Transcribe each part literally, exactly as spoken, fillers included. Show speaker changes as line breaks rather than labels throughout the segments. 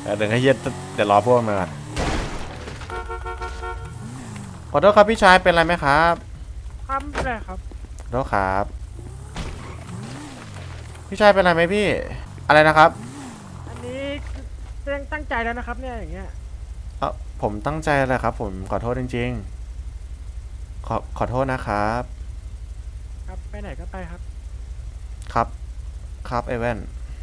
เดี๋ยวให้เย็ดเดี๋ยวรอพวกมันก่อนขอโทษครับพี่ชายเป็นไรไหมครับ
ครับไม่เป็นไรครับ
ขอโทษครับพี่ชายเป็นไรไหมพี่อะไรนะครับ
อันนี้ตั้งตั้งใจแล้วนะครับเนี่ยอย่างเงี้ย
เออผมตั้งใจแหละครับผมขอโทษจริงๆขอขอโทษนะครับ
ครับไปไหนก็ไปครับ
ครับครับเอเว่น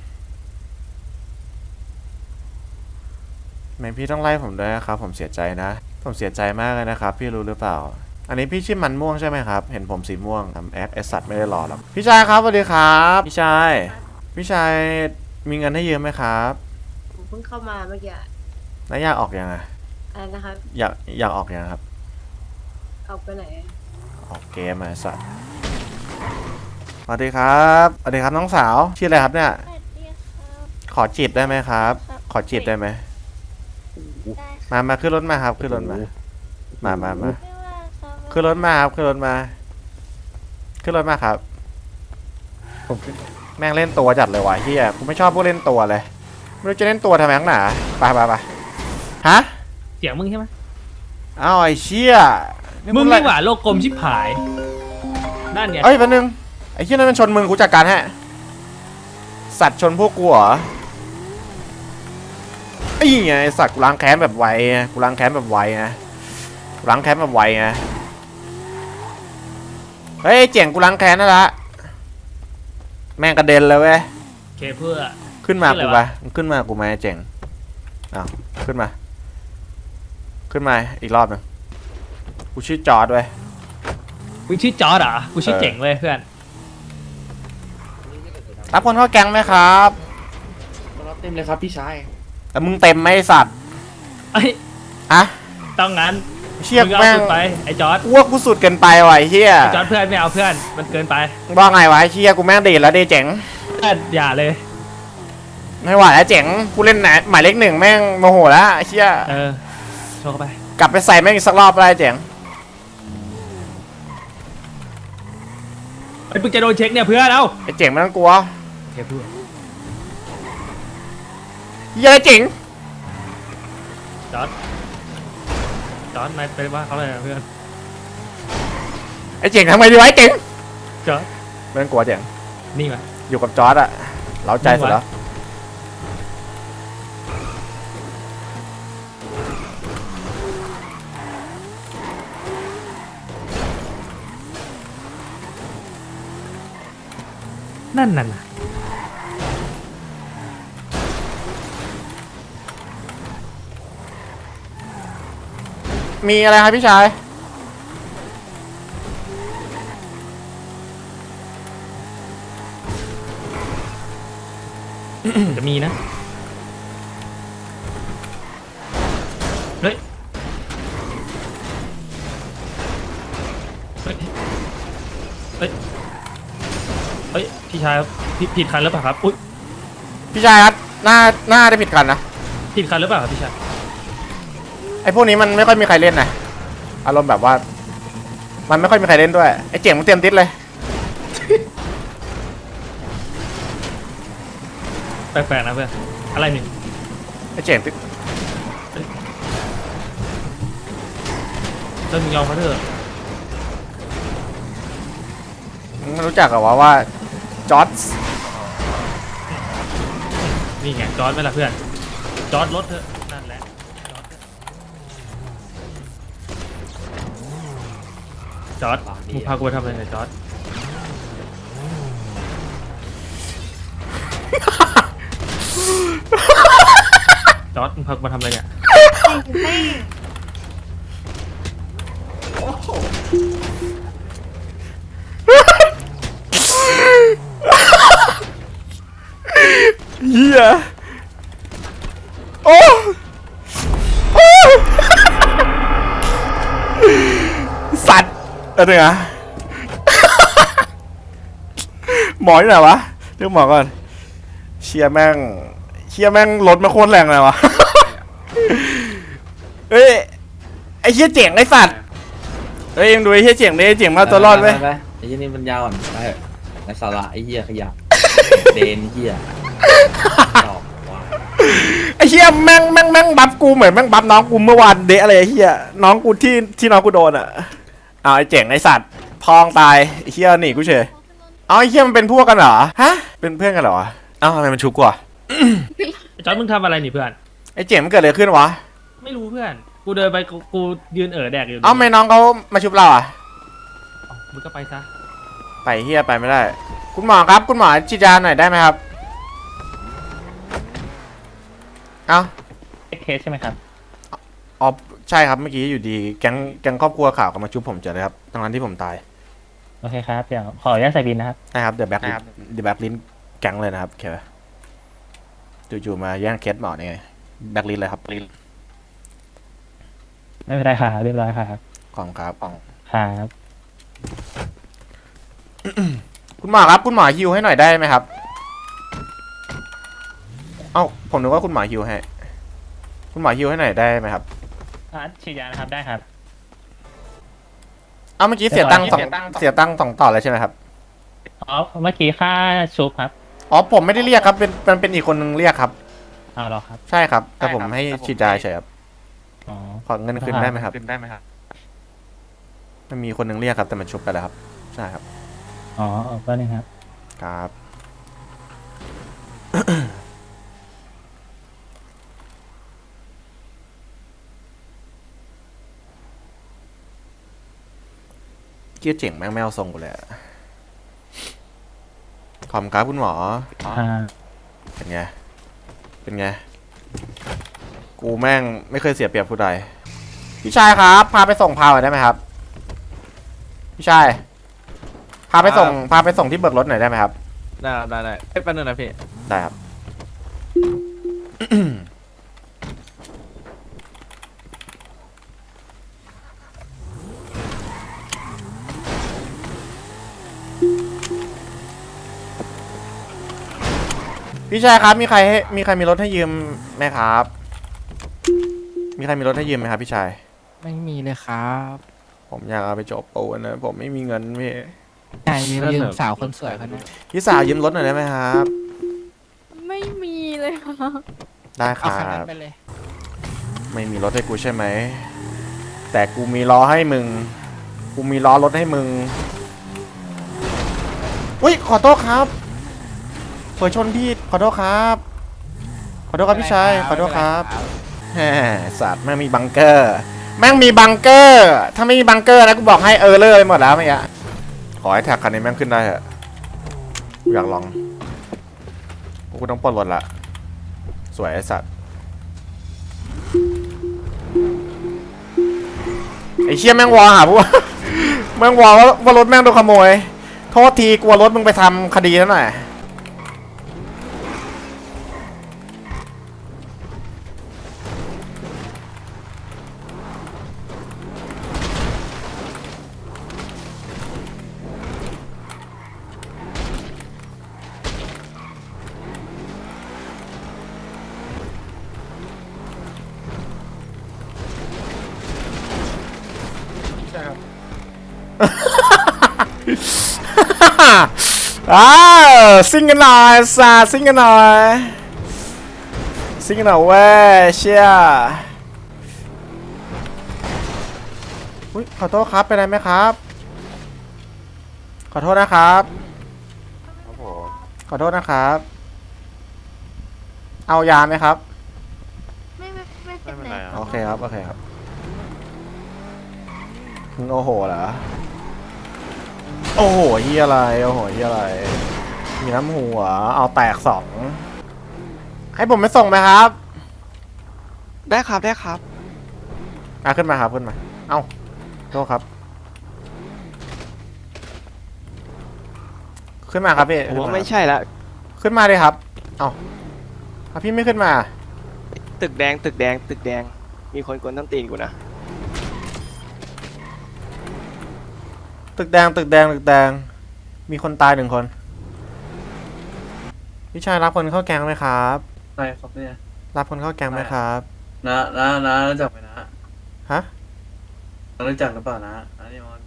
แม่พี่ต้องไล่ผมด้วยนะครับผมเสียใจนะผมเสียใจมากเลยนะครับพี่รู้หรือเปล่าอันนี้พี่ชื่อมันม่วงใช่ไหมครับเห็นผมสีม่วงทำแอคไอสัตว์ไม่ได้หล่อหรอกพี่ชายครับสวัสดีครับพี่ชายพี่ชายมีเงินให้ยืมไหมครับ
ผมเพิ่งเข้ามาเมื่อกี้
แล้วอยากออกยังไง
อะไรนะครับ
อยากอยากออกยังครับ
ออกไปไหน
ออกเกมไอสัตว์สวัสดีครับสวัสดีครับน้องสาวชื่ออะไรครับเนี่ย
สวัสดีครับ
ขอจีบได้ไหมครับขอจีบได้ไหมมามาขึ้นรถมาครับขึ้นรถมามามามาขึ้นรถมาครับขึ้นรถมาขึ้นรถมาครับแม่งเล่นตัวจัดเลยวะเฮียกูไม่ชอบพวกเล่นตัวเลยไม่รู้จะเล่นตัวทำไมนักหนาไปไปไปฮะ
เสียงมึงใช่ไหม
อ้าวไอ้เชี่ย
มึงนี่หว่าโลกกลมชิบหายนั่นไง
เอ้ยแป๊บนึงไอ้เชี่ยนั่นมันชนมึงกูจัดการฮะสัตว์ชนพวกกูเหรอไอ้ไงสัตว์กูล้างแค้นแบบไวไงกูล้างแค้นแบบไวไงกูล้างแค้นแบบไวไงเฮ้ยเจ๋งกูล้างแค้นนั่นละแม่งกระเด็นเลยเว้ย
เคเพื่อ
ขึ้นมากูไปขึ้นมากูไหมเจ๋งอ้าวขึ้นมาขึ้นมาอีกรอบนึงกูชื่อจอร์ดเว้ย
กูชื่อจอร์ดอ่ะกูชื่อเจ๋งเว้ยเพื่อน
รับคนเข้าแก๊งไหมครับ
รับเต็มเลยครับพี่ชาย
แต่มึงเต็มไหมสัตว์
ไอ้
อะ
ต้องงั้น
เชี่ยแม่ง
ไปไอ้จอร์ด
อ้วกกูสุดเกินไปว่ะไอ้เชี่ย
ไอ้จอร์ดเพื่อนไม่เอาเพื่อนมันเกินไป
ว่าไงวะไอ้เชี่ยกูแม่งดีแล้วดีเจ๋ง
อย่าเลย
ไม่ไหวแล้วเจ๋งกูเล่นไหนหมายเลขหนึ่งแม่งโมโหแล้วไอ้เชี่ย
เออโชว์เข้าไป
กลับไปใส่แม่งอีกสักรอบอะไรเจ๋ง
ไอ้มึงจะโดนเช็คเนี่ยเพื่อนเอา
ไอ้เจ๋งไม่ต้องกลัว
เคเพื่อ
เหี้ยเจ๋ง
จอร์ดจอร์ดนายไปว่าเขาเลยเพื่อน
ไอ้เจ๋งทำไงดีวะไอ้เจ๋ง
จอร์ด
ไม่ต้องกลัวเจ๋ง
นี่มา
อยู่กับจอร์ดอะเล้าใจสุดแล้ว
นั่นน่ะ
มีอะไรครับพี่ชาย
จะมีนะเฮ้ยเฮ้ยเฮ้ยเฮ้ยพี่ชายผิดผิดคันหรือเปล่าครับอุ้ย
พี่ชายครับหน้าหน้าได้ผิดคันนะ
ผิดคันหรือเปล่าครับพี่ชาย
ไอ้พวกนี้มันไม่ค่อยมีใครเล่นนะอารมณ์แบบว่ามันไม่ค่อยมีใครเล่นด้วยไอ้เจ๋งมันเตรียมติดเลย
แปลกๆนะเพื่อนอะไรนี่
ไอ้เจ๋งติด
เจ้ามึงยอมเขาเถอะ
มึงรู้จักเหรอวะว่าจอร์ด
นี่ไงจอร์ดไหมล่ะเพื่อนจอร์ดรถเถอะนั่นแหละจอร์ดมึงพากูไปทำอะไรเนี่ยจอร์ดจอร์ดมึงพากูมาทำอะไรเนี่ย
เฮียโอ้โอ้สัตว์อะไรเนี่ยหมอที่ไหนวะเรียกหมอก่อนเชียแม่งเชียแม่งรถมาโคตรแรงเลยวะเฮ้ยไอ้เชี่ยเจ๋งไอ้สัตว์เฮ้ยยังดูไอ้เชี่ยเจ๋งดิเจ๋งมาตัวรอดไหม
ไอ้เหี้ยนี่มันยาวอ่อนไปไอ้สาระไอ้เหี้ยขยะเดนเหี้ยไอ้
อ้เหี้ยแม่งแม่งแม่งบัฟกูเหมือนแม่งบัฟน้องกูเมื่อวานเดะอะไรไอ้เหี้ยน้องกูที่ที่น้องกูโดนอ่ะเอาไอ้เจ๋งไอ้สัตว์พองตายไอ้เหี้ยหนีกูเฉยเอาไอ้เหี้ยมันเป็นพวกกันเหรอฮะเป็นเพื่อนกันเหรอเอ้าทำไมมันชุบกูอ่ะ
จอร์ดมึงทำอะไรนี่เพื่อน
ไอ้เจ๋งมันเกิดอะไรขึ้นวะ
ไม่รู้เพื่อน กูเดินไปกูกูยืนเอ๋อแดกอยู่
เอ้าไม่น้องเขามาชุบเราอ่ะ
เอ้ามึงก็ไปซะ
ไปเหี้ยไปไม่ได้ คุณหมอครับคุณหมอฉีดยาหน่อยได้ไหมครับเอ้า
เคสใช่ไหมครับ
อ๋อใช่ครับเมื่อกี้อยู่ดีแก๊งแก๊งครอบครัวข่าวก็มาชุบผมเจอเลยครับตอนนั้นที่ผมตาย
โอเคครับ เดี๋ยวขออนุญาตใส่บินนะครับ
นะครับเดี๋ยวแบ็คลินเดี๋ยวแบ็คลินแก๊งเลยนะครับโอเคจู่ๆมาแย่งเคสหมอนี่ไงแบ็คลินเลยครับ
ไม่เป็นไรครับเรียบร้อยครับ
ของครับของ
ครับ
คุณหมอครับคุณหมอฮิวให้หน่อยได้ไหมครับเอ้าผมนึกว่าคุณหมอฮิวให้คุณหมอฮิวให้หน่อยได้ไหมครับ
อ่ะฉีดยานะครับ ได้ครับ
เอ้าเมื่อกี้เสียตังค์สองเสียตังค์สองต่อเลยใช่ไหมครับ
อ๋อ เมื่อกี้ค่าชุบครับ
อ๋อผมไม่ได้เรียกครับเป็นเป็นเป็นอีกคนนึงเรียกครับ
เอาเหรอครับ
ใช่ครับแต่ผมให้ฉีดยาเฉยครับ
อ๋อ
ขอเงินคืนได้ไหมครับ
ขึ้นได้ไหมครับ
มันมีคนนึงเรียกครับแต่มันชุบไปแล้วครับใช่ครับ
อ๋อก็นี่ครับ
ครับ เกี้ยเจ๋งแม่งแมวทรงกูเลยอะขอบคุณครับคุณหมอ
อ่า
เป็นไง เป็นไง กูแม่งไม่เคยเสียเปรียบผู้ใด พี่ชายครับ พาไปส่งพาหน่อยได้ไหมครับ พี่ชาย พาไปส่ง พาไปส่งที่เบิกรถหน่อยได้ไหมครับ
ได้ได้ได้แป๊บนึงนะพี่
ได้ครับ พี่ชายครับ มีใครให้มีใครมีรถให้ยืมไหมครับ มีใครมีรถให้ยืมไหมครับพี่ชาย
ไม่มีเลยครับ
ผมอยากเอาไปจบปูนนะ ผมไม่มีเงินพี่
ใช่ยืมยืมสาวคนสวยคนนั้น
พี่สาวยืมรถหน่อยได้ไหมครับ
ไม่มีเลยค่ะ
ได้ค
เอา
รั
คันนั้น
บ
ไปเลย
ไม่มีรถให้กูใช่ไหม แต่กูมีล้อให้มึง กูมีล้อรถให้มึง อุ้ยขอโทษครับเผยชนพี่ขอโทษครับ ขอโทษครับพี่ชาย ขอโทษครับแหมสัตว์แม่งมีบังเกอร์ แม่งมีบังเกอร์ ถ้าไม่มีบังเกอร์นะกูบอกให้เออเลอร์ไปหมดแล้วเมื่อกี้ขอให้แท็กคันนี้แม่งขึ้นได้เถอะกูอยากลอง กูต้องปลดรถละ สวยไอ้สัตว์ ไอ้เชี่ยแม่งวอหาพวก แม่งวอว่าว่ารถแม่งโดนขโมย โทษทีกลัวรถมึงไปทำคดีแล้วหน่อยอ้าวซิ่งกันหน่อยสาซิ่งกันหน่อยซิ่งกันหน่อยเว้ยเชี่ยอุ้ยขอโทษครับเป็นไรไหมครับ ขอโทษนะครับครับผมขอโทษนะครับ เอายาไหมครับ
ไม่ไม่ไม่เป็นไร
โอเคครับโอเคครับมึงโอ้โหเหรอโอ้โหเฮียอะไรโอ้โหเฮียอะไรมีน้ำหัวเอาแตกสองให้ผมไปส่งไหมครับ
ได้ครับได้ครับ
อ่ะขึ้นมาครับขึ้นมาเอ้าโทษครับขึ้นมาครับพี่
ผม
ขึ้น
ว่า
มา
ไม่ใช่ละ
ขึ้นมาเลยครับเอ้าอ่ะพี่ไม่ขึ้นมา
ตึกแดงตึกแดงตึกแดงมีคนกวนต้นตีนกูนะ
ตึกแดงตึกแดงตึกแดงมีคนตายหนึ่งคนพี่ชายรับคนเข้าแก๊งไหมครับ
ใช่ครับเนี่ย
รับคนเข้าแก๊งไหมครับ
นะนะนะรู้จักไหมนะ
ฮะ
รู้จักหรือเปล่านะอันนี้มัน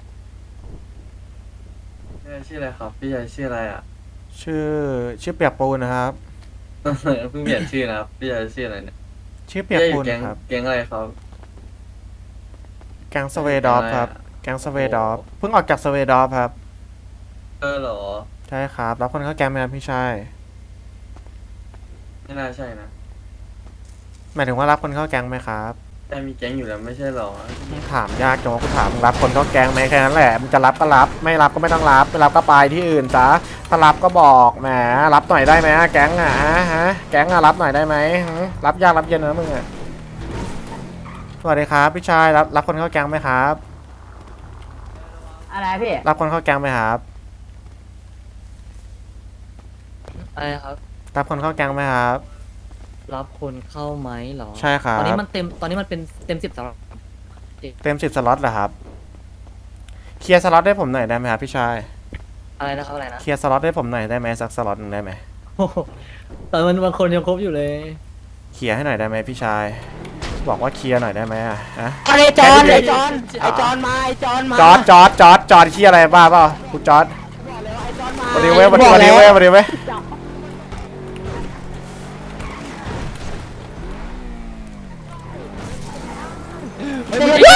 ชื่ออะไรครับ พี่ชายชื่ออะไรอ่ะ
ชื่อชื่อเปียกปูนนะครับ
เพิ่งเปลี่ยนชื่อนะครับ พี่ชายชื่ออะไรเนี่ย
ชื่อเปียก
พี่ชายอ
ปู
ยู่
น
แก๊ง
ครับ
แก๊งอะไรครับ
แก๊งสเวดอฟครับ แก๊งสเวดอฟเพิ่งออกจากสเวดอฟครับ
เออเหรอ
ใช่ครับ รับคนเข้าแก๊งไหมครับพี่ชาย
ไม่น่าใช่นะ
หมายถึงว่ารับคนเข้าแก๊งไหมครับ
แต่มีแก๊งอยู่แล้วไม่ใช่เหรอ
มึงถามยากจังว่ากูถามมึงรับคนเข้าแก๊งไหมแค่นั้นแหละมึงจะรับก็รับ ไม่รับก็ไม่ต้องรับไม่รับก็ไปที่อื่นซะถ้ารับก็บอกแหมรับหน่อยได้ไหมแก๊งอ่ะฮะแก๊งอ่ะรับหน่อยได้ไหมหึรับยากรับเย็นนะมึงอ่ะสวัสดีครับพี่ชายรับรับคนเข้าแก๊งไหมครับ
อะไรพี่
รับคนเข้าแก๊งไหมครับ
อะไรครับ
รับคนเข้าแก๊งไหมครับ
รับคนเข้าไหมเหรอ
ใช่ครับ
ตอนนี้มันเต็ม ตอนนี้มันเป็นเต็มสิบสำหรับ
เต็มสิบสล็อตเหรอครับเคลียร์สล็อตให้ผมหน่อยได้ไหมครับพี่ชาย
อะไรนะครับอะไรนะ
เคลียร์สล็อตให้ผมหน่อยได้ไหมสักสล็อตหนึ่งได้ไหม
โอ้โหตอนมันบางคนยังครบอยู่เลย
เคลียร์ให้หน่อยได้ไหมพี่ชาย บอกว่าเคลียร์หน่อยได้ไหมอะฮะ
ไอจอนไอจอนไอจอนมาไอจอนมา
จอดจอดจอดจอดเคลียร์อะไรบ้าเปล่าคุณจอดวันนี้เว้ยวันนี้วันนี้เว้ยวันนี้เว้ย
เฮ้ย